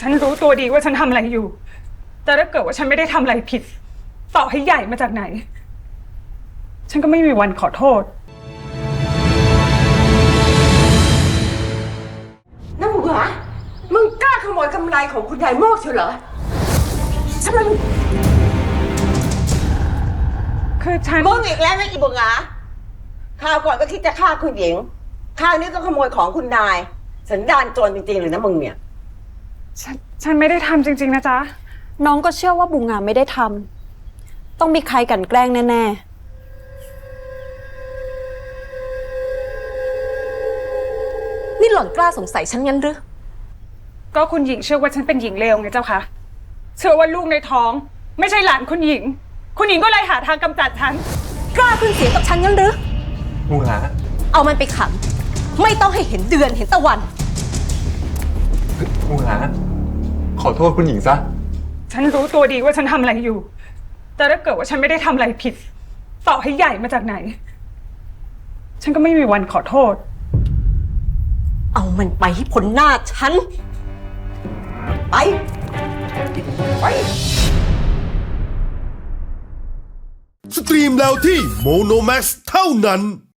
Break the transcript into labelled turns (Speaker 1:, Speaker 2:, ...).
Speaker 1: ฉันรู้ตัวดีว่าฉันทำอะไรอยู่ แต่ถ้าเกิดว่าฉันไม่ได้ทำอะไรผิด ต่อให้ใหญ่มาจากไหน ฉันก็ไม่มีวันขอโทษ
Speaker 2: น้ำหมูหรอมึงกล้าขโมยกำไรของคุณยายโมกเชียวเหรอทำไมมึง
Speaker 1: คือฉัน
Speaker 2: มึงอีกแล้วนะอีบุงหาคราวก่อนก็คิดจะฆ่าคุณหญิงคราวนี้ก็ขโมยของคุณนายสันดานโจรจริงๆเลยนะมึงเนี่ย
Speaker 1: ฉันไม่ได้ทำจริงๆนะจ๊ะ
Speaker 3: น้องก็เชื่อว่าบุงงามไม่ได้ทำต้องมีใครกลั่นแกล้งแน่ๆนี่หล่อนกล้าสงสัยฉันงั้นหรือ
Speaker 1: ก็คุณหญิงเชื่อว่าฉันเป็นหญิงเลวไงเจ้าคะเชื่อว่าลูกในท้อง ไม่ใช่หลานคุณหญิง คุณหญิงก็เลยหาทางกำจัดฉัน
Speaker 3: กล้าขึ้นเสียงกับฉันงั้นหรือ
Speaker 4: บุงหา
Speaker 3: เอามันไปขังไม่ต้องให้เห็นเดือนเห็นตะวัน
Speaker 4: บุงหาขอโทษคุณหญิงซะ
Speaker 1: ฉันรู้ตัวดีว่าฉันทำอะไรอยู่ แต่ถ้าเกิดว่าฉันไม่ได้ทำอะไรผิด ต่อให้ใหญ่มาจากไหน ฉันก็ไม่มีวันขอโทษ
Speaker 3: เอามันไปให้พ้นหน้าฉันไป
Speaker 5: สตรีมแล้วที่โมโนแม็กซ์เท่านั้น